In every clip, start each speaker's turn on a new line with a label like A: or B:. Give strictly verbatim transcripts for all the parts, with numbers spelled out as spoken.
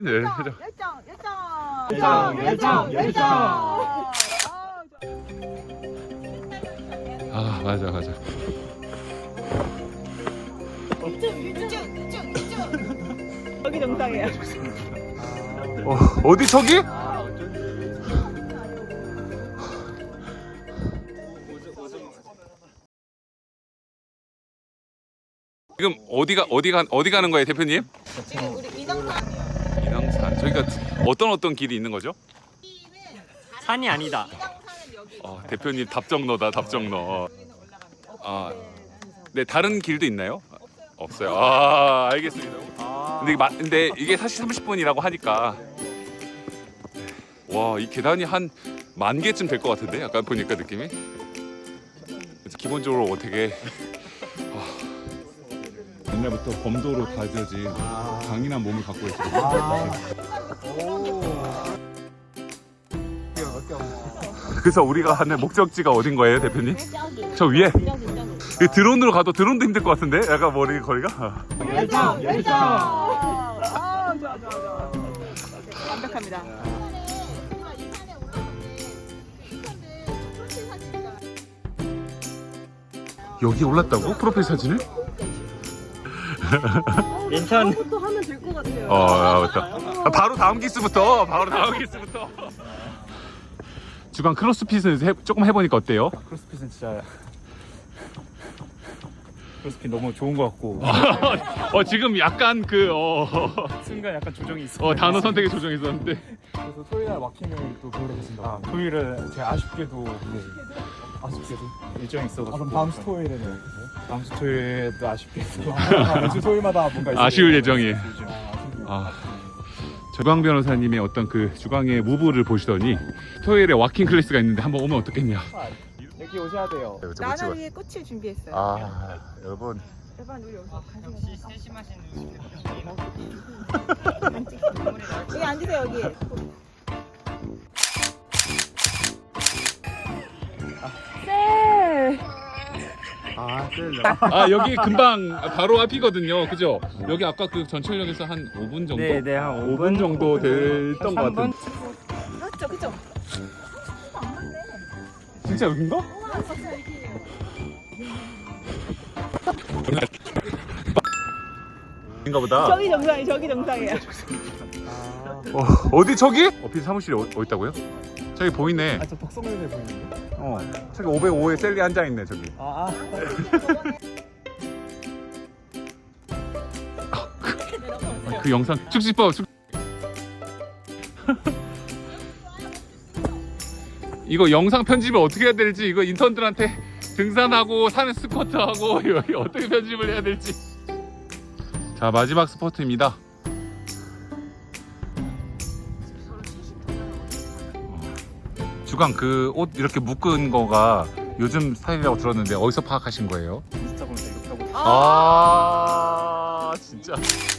A: 네,
B: 열정, 열정, 열정, 열정, 열정.
A: 아 맞아 맞아.
B: 이쪽, 이쪽, 이쪽, 이쪽. 여기 정상이야.
A: 어 어디 저기? 지금 어디가 어디가 어디 가는 거예요, 대표님?
B: 지금 우리 이정상이요.
A: 인왕산. 저희가 어떤 어떤 길이 있는 거죠?
C: 산이 아니다.
B: 이정상은 여기.
A: 어, 대표님 답정너다 답정너. 아, 네 다른 길도 있나요? 없어요. 아 알겠습니다. 근데, 이게 마, 근데 이게 사실 삼십 분이라고 하니까 와 이 계단이 한 만 개쯤 될 것 같은데 약간 보니까 느낌이 기본적으로 어떻게 아, 옛날부터 범도로 다져진 강인한 몸을 갖고 있어요. 그래서 우리가 하는 목적지가 어딘 거예요, 대표님?
B: 저기.
A: 저 위에?
B: 저기, 저기.
A: 이 드론으로 가도 드론도 힘들 것 같은데? 약간 머리 거리가?
B: 열정, 열정. 아, 좋아, 좋아, 좋아. 완벽합니다.
A: 여기 올랐다고? 프로필 사진을?
C: 인천
B: 그것도 하면 될 것 같아요.
A: 어, 아, 맞다. 아, 바로 다음 기스부터, 바로 다음 기스부터. 주간 크로스핏을 해, 조금 해보니까 어때요?
C: 크로스핏은 진짜 크로스핏 너무 좋은 것 같고
A: 어, 지금 약간 그, 어,
C: 순간 약간 조정이 있어.
A: 어 단어 선택에 조정이 있었는데.
D: 그래서 토요일날 마킹을 또 계획했습니다.
C: 아, 토요일에
D: 제가 아쉽게도
C: 네,
D: 아쉽게도
C: 일정이
D: 아,
C: 있어가지고.
D: 그럼 다음 주 토요일에는
C: 다음 주 토요일에도 아쉽게도
D: 매주 토요일마다 뭔가 있어요.
A: 아쉬울 예정이.
C: 요즘
D: 아, 아쉽네요.
A: 아, 조강 변호사님의 어떤 그 주강의 무브를 보시더니 토요일에 와킹 클래스가 있는데 한번 오면 어떻겠냐.
D: 여기 오셔야 돼요.
B: 나는 위에 꽃을 준비했어요.
A: 아, 여러분.
B: 여러분 우리 여기서 여기 앉으세요 여기. 네.
D: 아, 셀
A: 아 여기 금방 바로 앞이거든요, 그죠? 여기 아까 그 전철역에서 한 오 분 정도?
C: 네, 네, 한
A: 오 분 정도 됐던 것
C: 삼 분?
A: 같은.
B: 그렇죠, 그렇죠.
A: 진짜 여긴가? 인가 보다.
B: 저기 정상이, 저기 정상이야.
A: 어, 어디 저기? 어필 사무실이 어, 어디 있다고요? 저기 보이네.
D: 아, 저 덕성면에 보이는데.
A: 어, 저기 오백오에 셀리 앉아 있네 저기.
D: 아, 아.
A: 그 영상 축지법 축... 이거 영상 편집을 어떻게 해야 될지, 이거 인턴들한테 등산하고 산에 스쿼트하고 여기 어떻게 편집을 해야 될지. 자, 마지막 스포트입니다. 주강 그 옷 이렇게 묶은 거가 요즘 스타일이라고 들었는데 어디서 파악하신 거예요?
C: 인스타그램에서 이렇게 하고 있어요.
A: 아 진짜.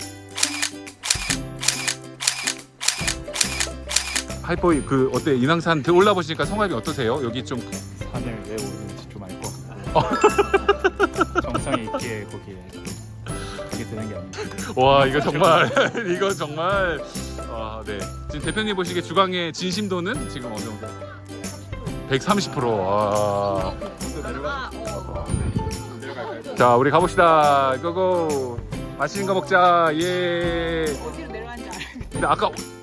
A: 하이퍼이 그 어때, 인왕산 올라 보시니까 성함이 어떠세요? 여기 좀
C: 산을 왜 오르는지 좀 알 것 같고 정상에 있기에 거기에 가게 되는 게 아닌가.
A: 와 이거 정말 이거 정말 아, 네. 지금 대표님 보시기에 주강의 진심도는 지금 어느 정도? 백삼십 퍼센트. 와.
B: 아, 어.
A: 자 우리 가봅시다. 고고. 맛있는 거 먹자. 예.
B: 어디로 내려가는지 알아요.
A: 근데 아까